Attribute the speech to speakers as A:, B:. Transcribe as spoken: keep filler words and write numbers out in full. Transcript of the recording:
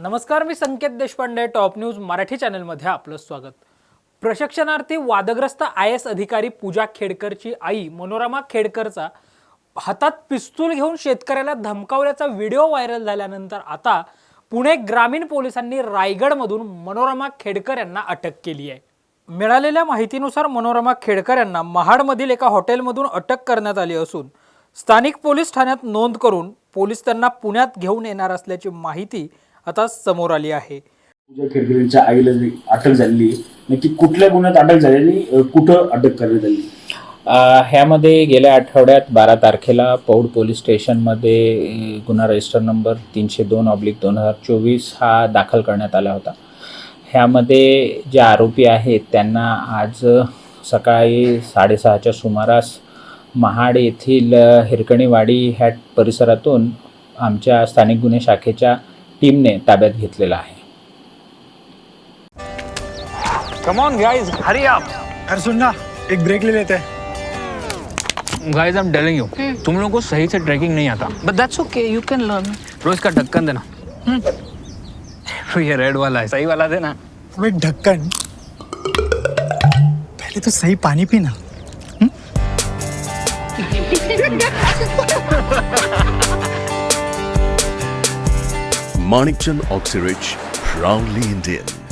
A: नमस्कार, मी Sanket Deshpande, top news Marathi चॅनलमध्ये आपलं स्वागत. प्रशिक्षणार्थी वादग्रस्त आय एस अधिकारी पूजा खेडकरची आई मनोरमा खेडकरचा हातात पिस्तूल घेऊन शेतकऱ्याला धमकावल्याचा व्हिडिओ व्हायरल झाल्यानंतर आता पुणे ग्रामीण पोलिसांनी रायगडमधून मनोरमा खेडकर यांना अटक केली आहे. मिळालेल्या माहितीनुसार मनोरमा खेडकर यांना महाडमधील एका हॉटेलमधून अटक करण्यात आली असून स्थानिक पोलीस ठाण्यात नोंद करून पोलीस त्यांना पुण्यात घेऊन येणार असल्याची माहिती आता समोर आली आहे.
B: पूजा खेडकरांच्या आईला अटक झाली, नक्की कुठल्या गुन्ह्यात अटक झालेली, कुठं अटक करण्यात आली?
C: ह्यामध्ये गेल्या आठवड्यात बारा तारखेला पौड पोलीस स्टेशनमध्ये गुन्हा रजिस्टर नंबर तीनशे दोन ऑब्लिक दोन हजार चोवीस हा दाखल करण्यात आला होता. ह्यामध्ये जे आरोपी आहेत त्यांना आज सकाळी साडेसहाच्या सुमारास महाड येथील हिरकणीवाडी ह्या परिसरातून आमच्या स्थानिक गुन्हे शाखेच्या टीमने ताब्यात घेतलेला आहे.
D: Come on guys, hurry up.
E: अरे सुन ना, एक ब्रेक ले लेते हैं.
D: Guys, I'm telling you, तुम लोगों को सही से ट्रैकिंग नहीं आता.
F: But that's okay, you can learn.
D: रोज का ढक्कन देना. तो ये रेड वाला है, सही वाला देना.
E: अबे ढक्कन, पहले तो सही पानी पीना.
G: Manikchand Oxyrich, proudly Indian.